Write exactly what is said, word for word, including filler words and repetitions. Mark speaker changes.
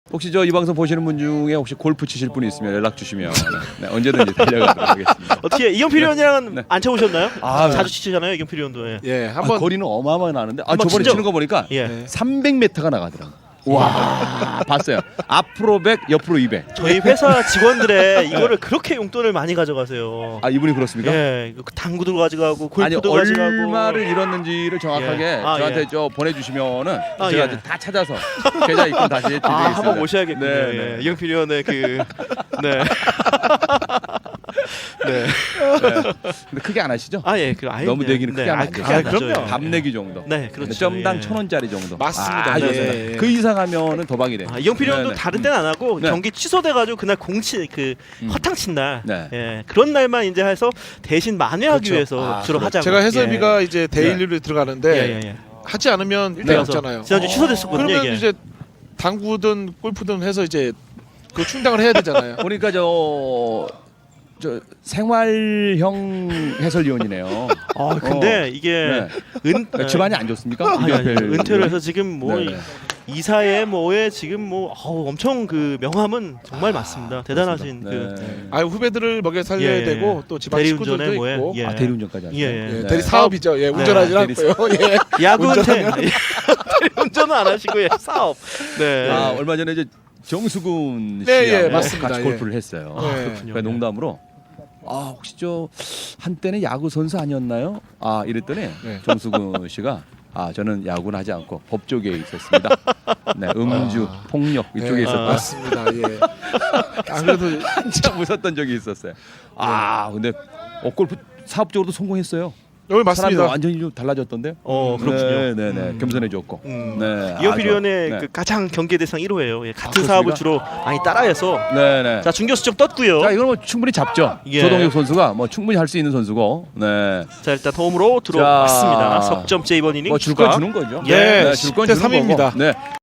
Speaker 1: 혹시 저 이 방송 보시는 분 중에 혹시 골프 치실 분이 있으면 연락 주시면 네, 언제든지 달려가도록 하겠습니다.
Speaker 2: 어떻게 이경필 의원이랑은
Speaker 1: 네.
Speaker 2: 안 쳐보셨나요?
Speaker 1: 아,
Speaker 2: 자주 치시잖아요, 이경필 의원도. 예.
Speaker 3: 예,
Speaker 1: 아,
Speaker 3: 한번
Speaker 1: 거리는 어마어마하게 나는데 아
Speaker 2: 한번
Speaker 1: 저번에
Speaker 2: 진짜-
Speaker 1: 치는 거 보니까
Speaker 2: 예.
Speaker 3: 네.
Speaker 1: 삼백 미터가 나가더라고. 와 봤어요. 앞으로 백, 옆으로 이백.
Speaker 2: 저희 회사 직원들의 이거를 그렇게 용돈을 많이 가져가세요.
Speaker 1: 아 이분이 그렇습니까?
Speaker 2: 예, 이거 당구도 가져가고
Speaker 1: 아니
Speaker 2: 골프도 가져가고.
Speaker 1: 얼마를 잃었는지를 정확하게
Speaker 2: 예. 아,
Speaker 1: 저한테
Speaker 2: 예.
Speaker 1: 저 보내주시면은
Speaker 2: 아,
Speaker 1: 제가
Speaker 2: 예.
Speaker 1: 이제 다 찾아서 계좌 입금 다시 해드리겠습니다.
Speaker 2: 아, 한번 모셔야겠군요.
Speaker 1: 네,
Speaker 2: 예.
Speaker 1: 네.
Speaker 2: 이경필 의원의 그 네. 네.
Speaker 1: 네. 근데 크게 안 하시죠?
Speaker 2: 아 예, 그 아예
Speaker 1: 너무
Speaker 2: 그냥-
Speaker 1: 내기는 크게
Speaker 2: 네,
Speaker 1: 하면
Speaker 2: 아,
Speaker 1: 안 돼요.
Speaker 2: 크게 안
Speaker 3: 아,
Speaker 2: 하죠.
Speaker 3: 그럼요.
Speaker 2: 예.
Speaker 1: 밥 내기 정도.
Speaker 2: 네, 그렇죠.
Speaker 1: 점당
Speaker 2: 예.
Speaker 1: 천 원짜리 정도.
Speaker 3: 맞습니다.
Speaker 1: 아,
Speaker 2: 네,
Speaker 1: 좋습니다.
Speaker 3: 네, 네.
Speaker 1: 그 이상하면은 도박이 돼요.
Speaker 2: 아, 이경필 의원도
Speaker 1: 네, 네.
Speaker 2: 다른 때는 안 하고
Speaker 1: 네.
Speaker 2: 경기 취소돼가지고 그날 공치 그
Speaker 1: 음.
Speaker 2: 허탕 친 날,
Speaker 1: 네.
Speaker 2: 예, 그런 날만 이제 해서 대신 만회하기
Speaker 3: 그렇죠.
Speaker 2: 위해서
Speaker 1: 아,
Speaker 2: 주로
Speaker 1: 그렇죠.
Speaker 2: 하자고.
Speaker 3: 제가 해설비가 이제 데일리로
Speaker 2: 예.
Speaker 3: 들어가는데
Speaker 2: 예, 예, 예.
Speaker 3: 하지 않으면 일단
Speaker 2: 네.
Speaker 3: 없잖아요.
Speaker 2: 지난주 취소됐었거든요.
Speaker 3: 그러면
Speaker 2: 이게.
Speaker 3: 이제 당구든 골프든 해서 이제 그 충당을 해야 되잖아요.
Speaker 1: 보니까 저, 저 생활형 해설위원이네요.
Speaker 2: 아 근데
Speaker 1: 어.
Speaker 2: 이게
Speaker 1: 네.
Speaker 2: 은
Speaker 1: 네. 집안이 안 좋습니까?
Speaker 2: 아니, 아니,
Speaker 1: 이경필
Speaker 2: 은퇴를
Speaker 1: 의원이?
Speaker 2: 해서 지금 뭐
Speaker 1: 네, 네.
Speaker 2: 이사에 뭐에 지금 뭐 어우, 엄청 그 명함은 정말 많습니다. 대단하신 그
Speaker 1: 네.
Speaker 3: 아 후배들을 먹여 살려야
Speaker 2: 예, 예.
Speaker 3: 되고 또 집안
Speaker 2: 대리운전에
Speaker 3: 식구들도
Speaker 2: 뭐에
Speaker 3: 있고
Speaker 2: 예.
Speaker 1: 아 대리운전까지 하세요?
Speaker 2: 예, 예.
Speaker 3: 예,
Speaker 1: 네.
Speaker 3: 대리 사업이죠. 예, 운전하지
Speaker 1: 네.
Speaker 3: 않고요. 예.
Speaker 2: 야구 은퇴
Speaker 3: 운전하면-
Speaker 2: 대리운전은 안 하시고 예, 사업. 네.
Speaker 1: 아 얼마 전에 이제 정수근
Speaker 3: 네,
Speaker 1: 씨하고
Speaker 3: 예, 맞습니다.
Speaker 1: 같이
Speaker 3: 예.
Speaker 1: 골프를 했어요.
Speaker 3: 아,
Speaker 2: 그렇군요.
Speaker 1: 그러니까 농담으로 아 혹시 저 한때는 야구 선수 아니었나요? 아 이랬더니
Speaker 3: 네.
Speaker 1: 정수근 씨가 아 저는 야구는 하지 않고 법 쪽에 있었습니다. 네 음주
Speaker 3: 아.
Speaker 1: 폭력 이쪽에
Speaker 3: 예,
Speaker 1: 있었다.
Speaker 3: 맞습니다. 예. 안 그래도
Speaker 1: 진짜 웃었던 적이 있었어요. 아 근데 어, 골프 사업적으로도 성공했어요.
Speaker 3: 여기
Speaker 1: 사람이
Speaker 3: 맞습니다.
Speaker 1: 완전히 좀 달라졌던데.
Speaker 2: 어 그렇군요.
Speaker 1: 네, 네, 네.
Speaker 2: 음.
Speaker 1: 겸손해졌고.
Speaker 2: 음.
Speaker 1: 네.
Speaker 2: 이경필
Speaker 1: 아주,
Speaker 2: 의원의
Speaker 1: 네.
Speaker 2: 그 가장 경계 대상 일 호예요. 예, 같은
Speaker 1: 아,
Speaker 2: 사업을
Speaker 1: 그렇습니까?
Speaker 2: 주로 많이 따라해서
Speaker 1: 네, 네.
Speaker 2: 자 중교수 쪽 떴고요.
Speaker 1: 자, 이건 뭐 충분히 잡죠.
Speaker 2: 예.
Speaker 1: 조동혁 선수가 뭐 충분히 할 수 있는 선수고. 네.
Speaker 2: 자 일단 홈으로 들어왔습니다.
Speaker 1: 자,
Speaker 2: 석점째 이번 이닝
Speaker 1: 뭐 줄 건
Speaker 2: 추가.
Speaker 1: 주는 거죠.
Speaker 2: 예.
Speaker 1: 네, 줄건
Speaker 3: 십 대
Speaker 1: 주는
Speaker 3: 삼입니다.
Speaker 1: 거고. 네.